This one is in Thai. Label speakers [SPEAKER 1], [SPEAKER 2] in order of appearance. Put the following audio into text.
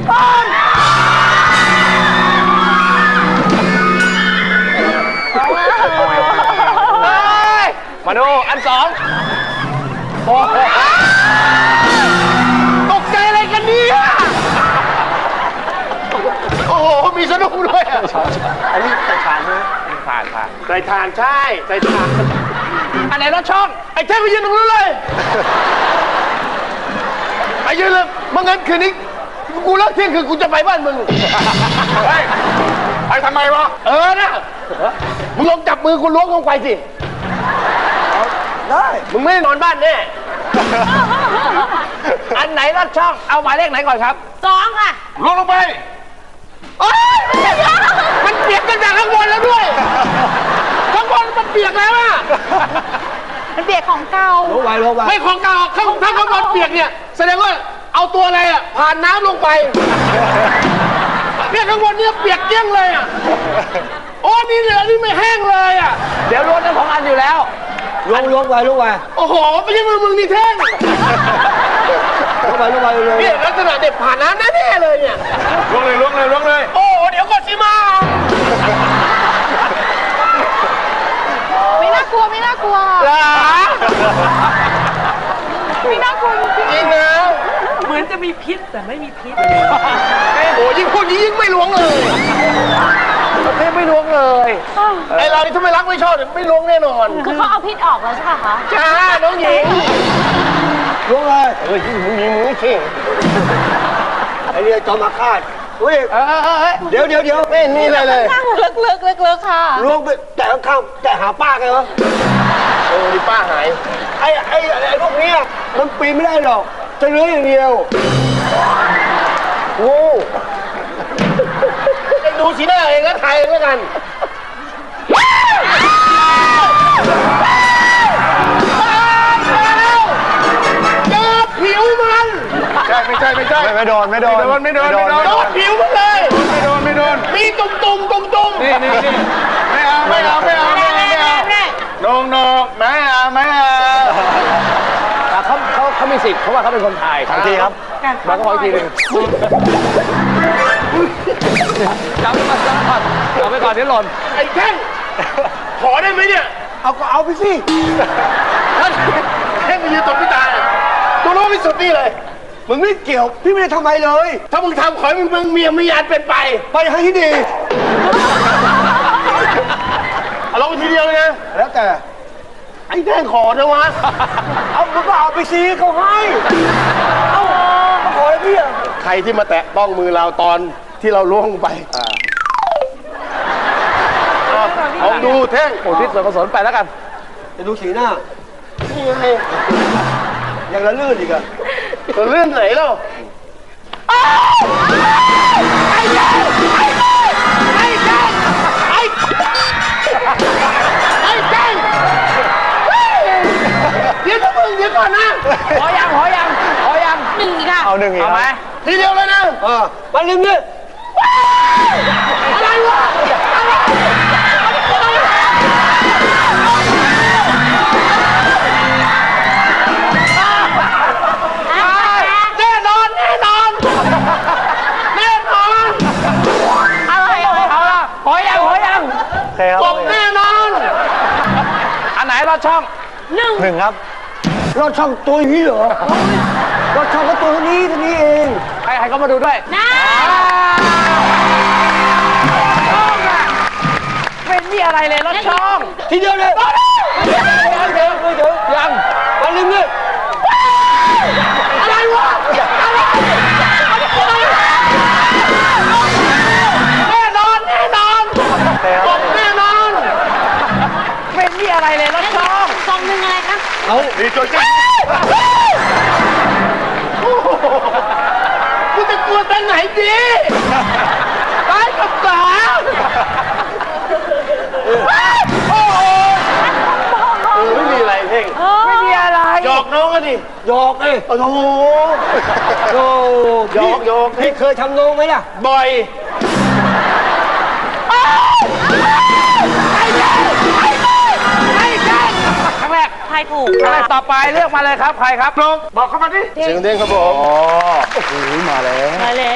[SPEAKER 1] มาดูอันสองตกใจอะไรกันเนี่ยโอ้โหมีสนุกด้วยอันนี้ใส่ถ่านไหมถ่านใส่ถ่านใช่ใส่ถ่านอันไหนรถช่องไอ้เท่ไปยืนตรงนู้นเลยไปยืนเลยเมื่องั้นคืนนี้กูเลิกเที่ยงคืนกูจะไปบ้านมึงไปทำไมวะนะมึงลองจับมือกูล้วงลงไปสิได้มึงไม่ได้นอนบ้านแน่อันไหนรถช่องเอาหมายเลขไหนก่อนครับ2ค่ะล้วงลงไปมันเปียกกันจากข้างบนแล้วด้วยข้างบนมันเปียกแล้วอะ
[SPEAKER 2] มันเปียกของเก่า
[SPEAKER 1] ล้วงไว้ไม่ของเก่าถ้าข้างบนเปียกเนี่ยแสดงว่าเอาตัวอะไรอะผ่านน้ำลงไปเนี่ยข้างบนเนี่ยเปียกเกี้ยงเลยอะโอ้นี่เหลือนี่ไม่แห้งเลยอะเดี๋ยวล้วงทั้ง2 อันอยู่แล้วล้วงไว้โอ้โหไม่ใช่มึงนี่แท่งล้วงไว้เลยเนี่ยลักษณะเด็กผ่านน้ำแน่ๆเลยเนี่ยล้วงเลยโอ้เดี๋ยวก่อนสิมา
[SPEAKER 2] ไม่น่ากลัวไม่น่ากลัวจริงนะ
[SPEAKER 3] เหมือนจะมีพิษแต่ไม่มีพิษ
[SPEAKER 1] โอ้ยิ่งพูดยิ่งไม่ล้วงเลยไม่ล้วงเลยไอเรานี่ถ้าไม่รักไม่ชอบไม่ล้วงแน่นอน
[SPEAKER 2] คือเขาเอาพิษออกแล้วใช่ไหมคะ
[SPEAKER 1] จ้าน้องหญิงล้วงเลยมึงขี้ไอเรียจอมาคาดเดี๋ยวนี่เลย
[SPEAKER 2] นั่งลึกค่ะ
[SPEAKER 1] ล้วงไปแต่ข้างแต่หาป้าไงวะนี่ป้าหายไอ้พวกนี้มันปีนไม่ได้หรอกจะเลื้อยอย่างเดียวโอ้ดูสีหน้าเองแล้วถ่ายเองแล้วกันเจอผิวมันไม่ใช่ไม่โดนผิวมันเลยไม่โดนมีตุ่มนี่ไม่เอาไม่เอาไม่เอาเขามีสิทธิ์เพราะว่าเขาเป็นคนถ่ายทันทีครับมาก็ขออีกทีหนึ่งจับไปก่อนเดี๋ยวหล่นไอ้แท่งขอได้ไหมเนี่ยเอาไปสิท่านแท่งมายืนตบพี่ตาตัวโน้ตไม่สุดนี่เลยมึงไม่เกี่ยวพี่ไม่ได้ทำอะไรเลยถ้ามึงทำขอให้มึงเมียไม่ยานเป็นไปให้ที่ดีเอาลงไปทีเดียวเลยนะแล้วแต่ไอ้แท่งขอนะวะเอามึงก็เอาไปซีเขาให้เอาขอให้พี่ใครที่มาแตะต้องมือเราตอนที่เราล่วงไปเอาดูแท่งโอ้ทิศส่วนกุศลไปแล้วกันจะดูสีหน้านี่ไงยังละลื่นอีกอะละลื่นไหนเล่าไอ้แท่งเดี๋ยวมึงเดี๋ยวก่อนนะขอยัง
[SPEAKER 2] 1ค่ะ
[SPEAKER 1] เอา1อีกเอาไหมทีเดียวเลยนะมาลืมเนี่ยอะไรวะแน่นอนอะไรเอาละขอยังบอกแน่นอนอันไหนรอดช่อง1ครับรอดช่องตัวนี้เหรอรอดช่องก็ตัวนี้เองใครก็มาดูด้วย
[SPEAKER 2] นะ
[SPEAKER 3] ไม่มีอะไรเลยรถช่อง
[SPEAKER 1] ทีเดียวเลยยังมาลืมเนี่ยอะไรวะแน่นอนบอกแน่นอน
[SPEAKER 3] ไม่มีอะไรเลยรถช่อง
[SPEAKER 2] 2 1อะไรคะ
[SPEAKER 1] เอาดีจริงกูจะกลัวตอนไหนดีตายกับสาโอ้โหไม่มีอะไรเพ่ง
[SPEAKER 3] ไม่มีอะไร
[SPEAKER 1] หยอกน้องกันดิหยอกโอ้โหหยอกพี่เคยทำน้องไหมล่ะบ่อย
[SPEAKER 3] ครั้งแรก
[SPEAKER 2] ทายถูก
[SPEAKER 3] ต่อไปเลือกมาเลยครับใครครับน้อง
[SPEAKER 1] บอกเข้ามาดิเสียงเด้งครับผมโอ้โหมาแล้ว